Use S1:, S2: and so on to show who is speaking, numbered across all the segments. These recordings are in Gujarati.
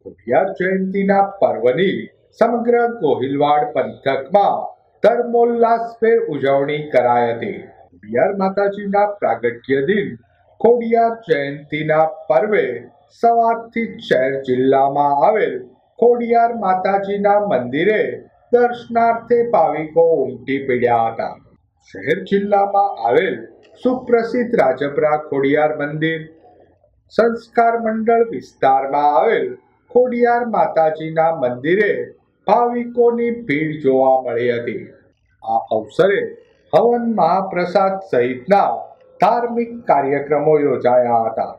S1: ખોડિયાર જયંતીના પર્વની સમગ્ર ગોહિલવાડ પંથકમાં ધર્મોલ્લાસભેર ઉજવણી કરાઈ હતી। ખોડિયાર માતાજીના પ્રાગટ્ય દિન ખોડિયાર જયંતીના પર્વે સવારથી શહેર જિલ્લામાં આવેલ ખોડિયાર માતાજીના મંદિરે દર્શનાર્થે ભાવિકો ઉમટી પડ્યા હતા। શહેર જિલ્લામાં આવેલ સુપ્રસિદ્ધ રાજપરા ખોડિયાર મંદિર, સંસ્કાર મંડળ વિસ્તારમાં આવેલ ખોડિયાર માતાજીના મંદિરે ભાવિકોની ભીડ જોવા મળી હતી। આ અવસરે હવન, મહાપ્રસાદ સહિતના ધાર્મિક કાર્યક્રમો યોજાયા હતા।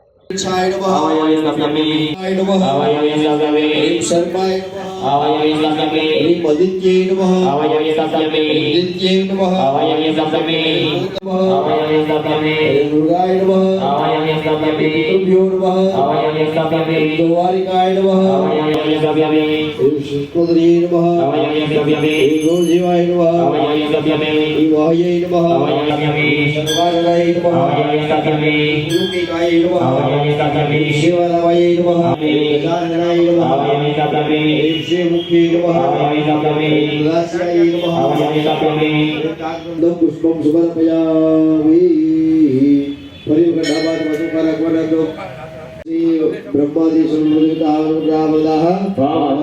S2: पुष्पं समर्पयामि। ब्रह्मादि